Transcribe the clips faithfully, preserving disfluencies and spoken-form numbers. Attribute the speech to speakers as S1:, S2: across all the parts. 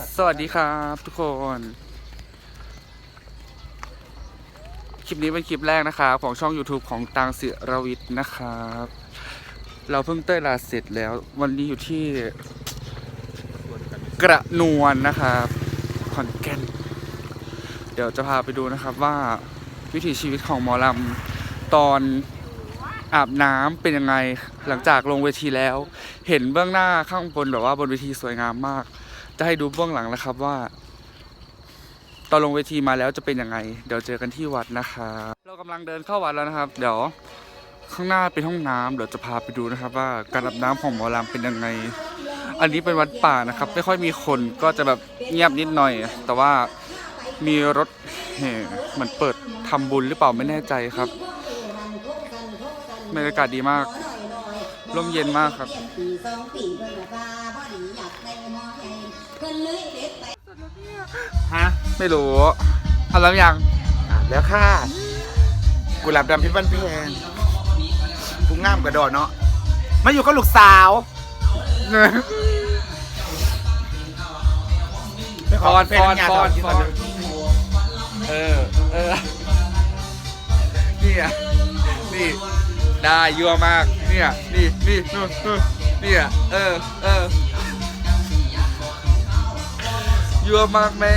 S1: สวัสดีครับทุกคนคลิปนี้เป็นคลิปแรกนะครับของช่อง ยูทูบ ของตังศิรวิทย์นะครับเราเพิ่งเต้ยลาเสร็จแล้ววันนี้อยู่ที่กระนวลนะครับขอนแก่นเดี๋ยวจะพาไปดูนะครับว่าวิถีชีวิตของหมอลำตอนอาบน้ำเป็นยังไงหลังจากลงเวทีแล้วเห็นเบื้องหน้าข้างบนแบบว่าบนเวทีสวยงามมากจะให้ดูเบื้องหลังนะครับว่าตอนลงเวทีมาแล้วจะเป็นยังไงเดี๋ยวเจอกันที่วัดนะครับเรากำลังเดินเข้าวัดแล้วนะครับเดี๋ยวข้างหน้าเป็นห้องน้ำเดี๋ยวจะพาไปดูนะครับว่าการอาบน้ำของหมอลำเป็นยังไงอันนี้เป็นวัดป่านะครับไม่ค่อยมีคนก็จะแบบเงียบนิดหน่อยแต่ว่ามีรถแห่เหมือนเปิดทำบุญหรือเปล่าไม่แน่ใจครับบรรยากาศดีมากร่มเย็นมากครับ
S2: ฮะ
S1: ไม่รู้ทำแล้วยัง
S2: อ่ะแล้วค่ะกุหลาบดำพิบันเพงผู้งามกระโดดเนาะมาอยู่กับลูกสาว
S1: ฟอนฟอนฟอนฟอนเออเออนี่อ่ะนี่ได้ยั่วมากเนี่ยนี่นี่นู่นนู่นเนี่ยเออเออยั่วมากแม่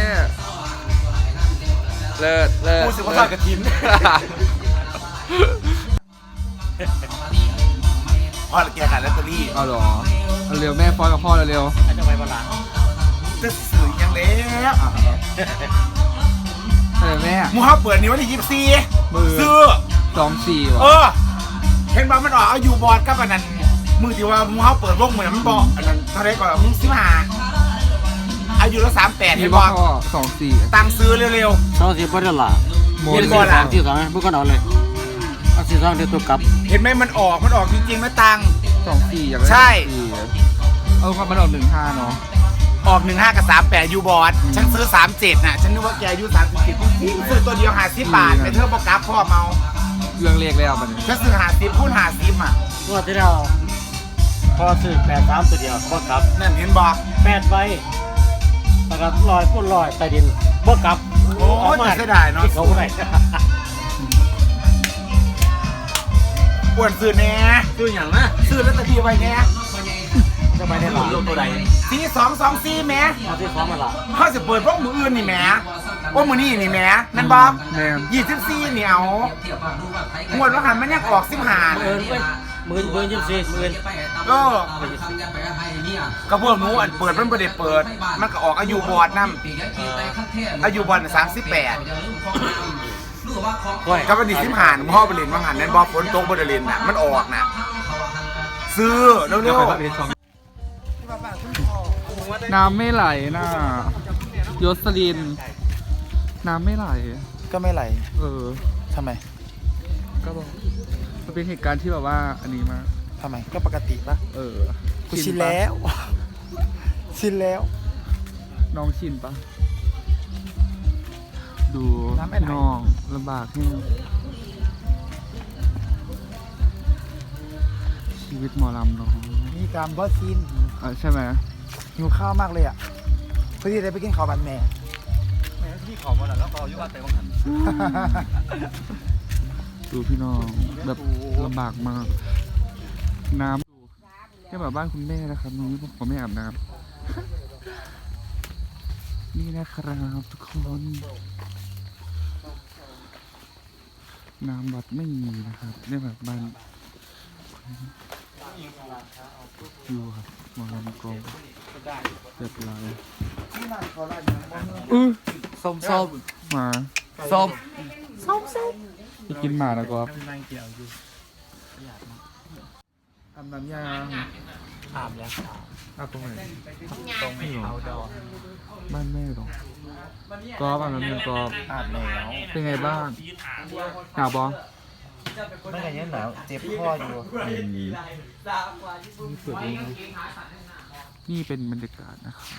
S1: เลิศเลิศ
S2: ผู้สืบทอดกระถินพ่อแกขายลอตเตอรี่
S1: เอาหรอเอาเร็วแม่ฟอนกับพ่อเร็ว
S2: อาจจะไปบ้านหลังจะสื่อยังแล้ว
S1: เออแม่
S2: มูฮับเปิดนี้วันที่ยี่สิบสี่ซื้อ
S1: สองสี่
S2: เอ
S1: วะ
S2: อเห็นบ้ามันออกเอาอยู่บอร์ดกับอันนั้นมือที่ว่ามูฮับเปิดวงเหมือนมันบอกอันนั้นเท่าไรก่อนมึงสิบห้าอายุละสามแปด
S1: มี
S2: เห็น
S1: พ่
S2: บ
S1: อ
S2: อก
S1: สองสี่
S2: ตังซื้อเร็ว
S3: สองสี่พอได้ละ
S1: โม
S2: เห็
S1: น
S2: น
S3: สี่
S2: บ่
S3: สองสี่สองพวกก็นอนเลยเอาสี่สองเดี๋ยวตัวกลับ
S2: ๆเห็นไหมมันออกมันออกจริงๆนะตัง
S1: สองสี่อย่างไร
S2: ใช่
S1: เออความมันออกหนึ่งห้าเนาะ
S2: ออกหนึ่งห้ากับสามแปดยูบอร์ดฉันซื้อสามเจ็ดน่ะฉันนึกว่าแกอายุสามสิบเจ็ดจริงๆซื้อตัวเดียวหาสิบบาทไปเธอบอกกราฟพ่อเมา
S1: เรื่องเลขแล้วมัน
S2: ฉันซื้อหาสิบพูดหาสิบอ่ะ
S3: งวดที่แล้วพอซื้อแปดสามตัวเดียวบ่กลับ
S2: นั่นเห็นบอก
S3: แปดใบนะครับลอยพุ่นลอยใต้ดินบ่กลับ
S2: โอ้ยแต่เสียดายเนาะ
S3: ที่เขาไหน
S2: อ้วนซื้อแน่
S3: ซื้ออย่างนะ
S2: ซื้อลอตเตอรี่ไว้แน่
S3: จะไปได้หรอตัวใด
S2: สี่สองสองสี่แหม่
S3: เอาที่สองมาละ
S2: เขาจะเปิดพวกมืออื่นนี่แหม่พวกมือนี่นี่แหม่นั่นบอม
S1: แม่
S2: ยี่สิบสี่เหนียวงวดว่าหันมันยังออกสิบห้า
S3: เอินเว้ยหมื่นหมื่นยี่สิบสี่หมื่น
S2: ก็กระพวกหนูอันเปิดมันไม่ได้เปิด มันก็ออกอายุบอร์ดนั่อายุบอร์ดสามสิบแปด
S3: ก้อย
S2: ก็วันที่สิบห้าพ่อไปเรียนว่าหันนั่นบอฝนตกบริเวณน่ะมันออกน่ะซื้อเร็วๆ
S1: น้ำไม่ไหลน่ะยศลิน น้ำไม่ไหล
S2: ก็ไม่ไหล
S1: เออ
S2: ทำไม
S1: ก็บอกมันเป็นเหตุการณ์ที่แบบว่าอันนี้มาก
S2: ทำไมก็ปกติปะ
S1: เออ
S2: กูชินแล้ว ชินแล้ว
S1: น้องชินปะดู
S2: น้ำไม่ไหล
S1: น้องลำบากแห้งชีวิตหมอลำเนาะ
S2: มีกรรมก็ชิน
S1: เออใช่ไหม
S2: หิวข้าวมากเลยอ่ะเพื่อที่จะไปกินข้าวบันแม่
S3: แม่ที่ขอมาแล้วก็ยุ่งแต่บางหัน
S1: ดูพี่น้องแบบลำบากมาก น้ำดูแค่แบบบ้านคุณแม่นะครับนี้ผมไม่อาบน้ำนี่นะครับทุกคน น้ำวัดไม่มีนะครับเนี่ยแบบบ้านอยู่ครับมาลำกองเรียบร้อยอื้อ
S3: ส้มส้ม
S1: มา
S3: ส้ม
S1: ไปกินหมาแล้วก็ทำน้ำยาง
S3: อาบแล้ว
S1: อาบตรงไหน
S3: ตรงเอาดอ
S1: บ้านแม่หรอกกอบอาบน้ำยางกอบ
S3: อาบแล้ว
S1: เป็นไงบ้างหนาวบอ
S3: ไม่กันยังหนาวเจ็บคออยู่
S1: นี่เปิดเองนี่เป็นบรรยากาศนะครับ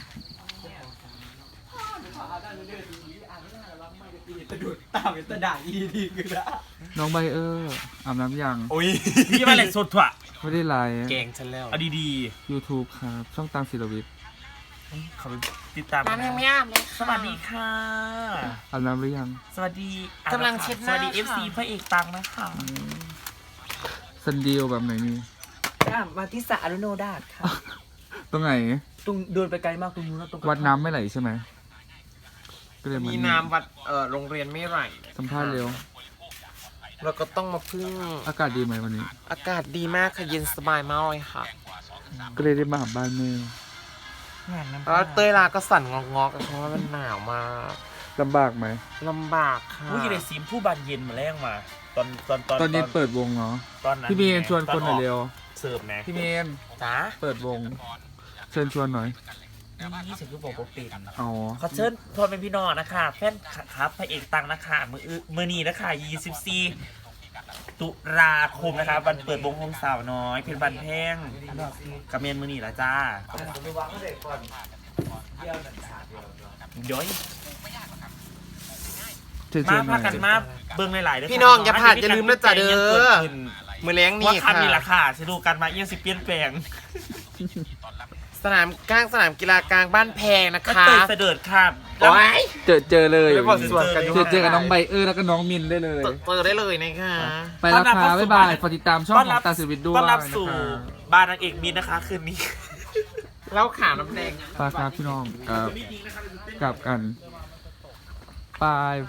S3: ตามเป็นตะด่างอีดีคือละ
S1: น้องใบเออร์อาบน้ำยัง
S3: โอ้ยนี่มาเลยสดถั่ว
S1: ไม่ได้ไลฟ์
S3: แกงฉันแล้วเอาดี
S1: ยูทูบครับ ช่องตังศิลวิทย์
S4: เขาไปติดตาม
S5: น้ำยังไม่อาบเลยค่ะ
S4: สวัสดีค่ะ
S1: อาบน้ำหรือยัง
S4: สวัสดี
S5: กำลังเช็ดหน้า
S4: สวัสดี
S5: ค่ะ
S4: เอฟซีพระเอกตังนะคะ
S1: ซันเดียวแบบไหนนี่
S5: มาที่สระอรุโนดาตค่ะ
S1: ตรงไหน
S5: ตรงเดินไปไกลมากตรงนู้นแล้วตรง
S1: วัดน้ำไม่ไหลใช่ไหมก็เลย
S6: มีน้ำวัดเอ่อโรงเรียนไม่ไหล
S1: สัมภาษณ์เร็ว
S6: เราก็ต้องมาพึ่ง
S1: อากาศดีไหมวันนี้
S6: อากาศดีมากค่ะเย็นสบายมากเลยค่ะ
S1: ก็เลยได้มาหาบ้านแม่
S5: งานน้ำ
S6: แล้วเต้ยลาก็สั่นงอกๆเพราะว่ามันหนาวมาก
S1: ลำบากไหม
S6: ลำบากค่ะ
S4: ผู้อยู่ในซีมผู้บานเย็นมาแรงมา ตอนตอนตอน
S1: ตอนนี้เปิดวงเนาะ
S4: ตอนนั้น
S1: พี่เมนชวนคนหน่อยเร็ว
S4: เสิร์ฟนะ
S1: พี่เมน
S6: จ้า
S1: เปิดวง เชิญชวนหน่อย
S4: นี่ฉันคือบอกว่าเป็น
S1: อ๋อ
S4: ขอเชิญพอเป็นพี่น้องนะคะแฟนครับพระเอกตังนะคะมืออื้อมือนี้นะคะยี่สิบสี่ตุลาคมนะคะวันเปิดวงโฮมสาวน้อย เพชรบันแพงกับเมนมือนี้ละจ้าเดี๋ยว
S1: เชิญช
S4: มา
S1: วนหน่
S4: พา
S1: อย
S4: กันมาเบิ่งหลายๆเด้อ
S6: พี่น้องอย่าพลาดอย่าลืมนะจ๊ะเด้
S4: ยังปิ
S6: อ
S4: ขึ้น
S6: มือเลี้ยง
S4: ว่า
S6: นี่
S4: คำนี้ละ
S6: ค่ะ
S4: ค่ะจะดูกันมาเอี่ยงสิเปลี่ยนแปลง
S6: สนามกลางสนามกีฬากลางบ้านแพงนะ
S4: ก็
S6: คะ
S4: เตยเสด็จค่ะ
S6: โอ้ย
S1: เจอเจอเลย
S6: ไปบอกส่วนกัน
S1: เจอเจอกับน้องใบเออร์แล้วก็น้องมินได้เลย
S6: เจอได้เลยนะคะ
S1: ไปแล้วค่ะบ๊ายบายฝากติดตามช่องของตาสิวิทย์ด้วย
S4: ต้อน
S1: นะ
S4: รับสู่
S1: คะ
S4: บ้านนางเอกมินนะคะคืนนี้
S6: เล่าข่าวน้ำแดง
S1: ไปครับพี่น้องกับกลับกันไป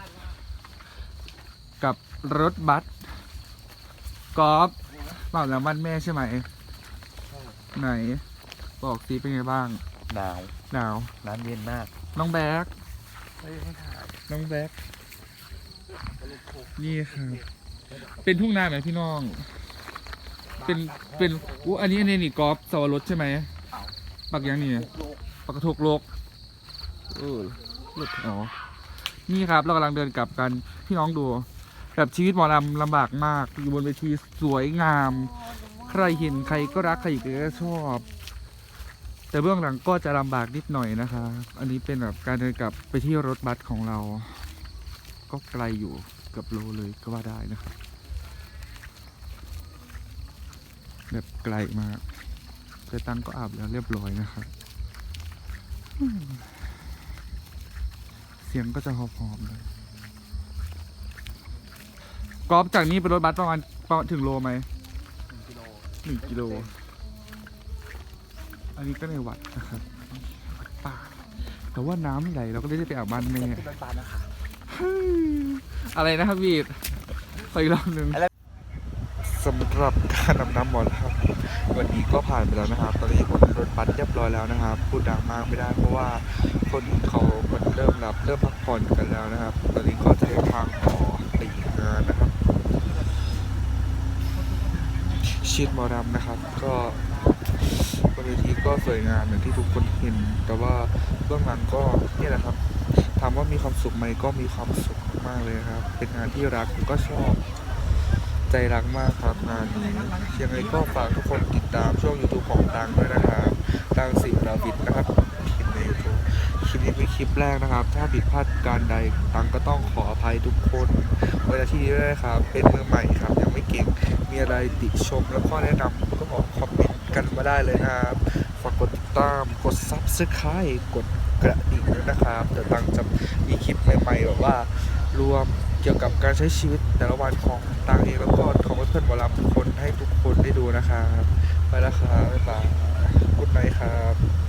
S1: กับรถบัสกอล์ฟเปล่าแล้วบ้านแม่ใช่ไหม ไหน บอกสิเป็นไงบ้าง
S4: หนาว
S1: หนาว
S4: น้ำเย็นมาก
S1: น้องแบ๊กน้องแบ๊กนี่ครับ เป็นทุ่งนาไหมพี่น้อง เป็น เป็นอู้อันนี้อันนี้นี่กอล์ฟสวรสใช่ไหมปักยังนี่ปักกระทกโลกเออรถอ๋อ นี่ครับ เรากำลังเดินกลับกัน พี่น้องดู แบบชีวิตหมอลำลำบากมาก อยู่บนเวทีสวยงาม ใครเห็นใครก็รักใครก็ชอบ แต่เบื้องหลังก็จะลำบากนิดหน่อยนะคะ อันนี้เป็นแบบการเดินกลับไปที่รถบัสของเรา ก็ไกลอยู่เกือบโลเลยก็ว่าได้นะครับ แบบไกลมากแต่ตังก็อาบแล้วเรียบร้อยนะครับอืมเสียงก็จะหอบๆเลยกอล์ฟจากนี้ไปรถบัสประมาณประมาณถึงโลไหมหนึ่งกิโล อันนี้ก็ในวัดนะครับวัดป่าแต่ว่าน้ำไม่ไหลเราก็ได้ไปอาบบ้านแม่เฮ้ยอะไรนะครับวีดไปอีกรอบหนึ่งสำหรับการนำน้ำหมอลครับวันนี้ก็ผ่านไปแล้วนะครับ ตอนนี้คนรถบัสเรียบร้อยแล้วนะครับ พูดดังมากไม่ได้เพราะว่าคนเขาคนเริ่มหลับเริ่มพักผ่อนกันแล้วนะครับ ตอนนี้ก็จะเดินทางต่อไปอีกงานนะครับชีดหมอรำนะครับ ก็บนเวทีก็สวยงามอย่างที่ทุกคนเห็น แต่ว่าเบื้องหลังก็นี่แหละครับถามว่ามีความสุขไหมก็มีความสุขมากเลยครับ เป็นงานที่รักก็ชอบใจรักมากครับงานนี้ยังไงก็ฝากทุกคนติดตามช่อง YouTube ของตังด้วยนะครับตังสิราวิทย์นะครับใน YouTube คลิปนี้เป็นคลิปแรกนะครับ ถ้าผิดพลาดการใดตังก็ต้องขออภัยทุกคนเวลาที่นี้ด้วยนะครับ เป็นมือใหม่ครับยังไม่เก่งมีอะไรติชมแล้วก็แนะนำก็บอกคอมเมนต์กันมาได้เลยนะครับฝากกดติดตามกด ซับสไครบ์ กดกระดิ่งด้วยนะครับเดี๋ยวตังจะมีคลิปใหม่ๆแบบว่ารวมเกี่ยวกับการใช้ชีวิตแต่ละวันของตังเองแล้วก็ของเพื่อนๆหมอลำทุกคนให้ทุกคนได้ดูนะครับไปแล้วครับบ๊ายบายกุ๊ดไนท์ครับ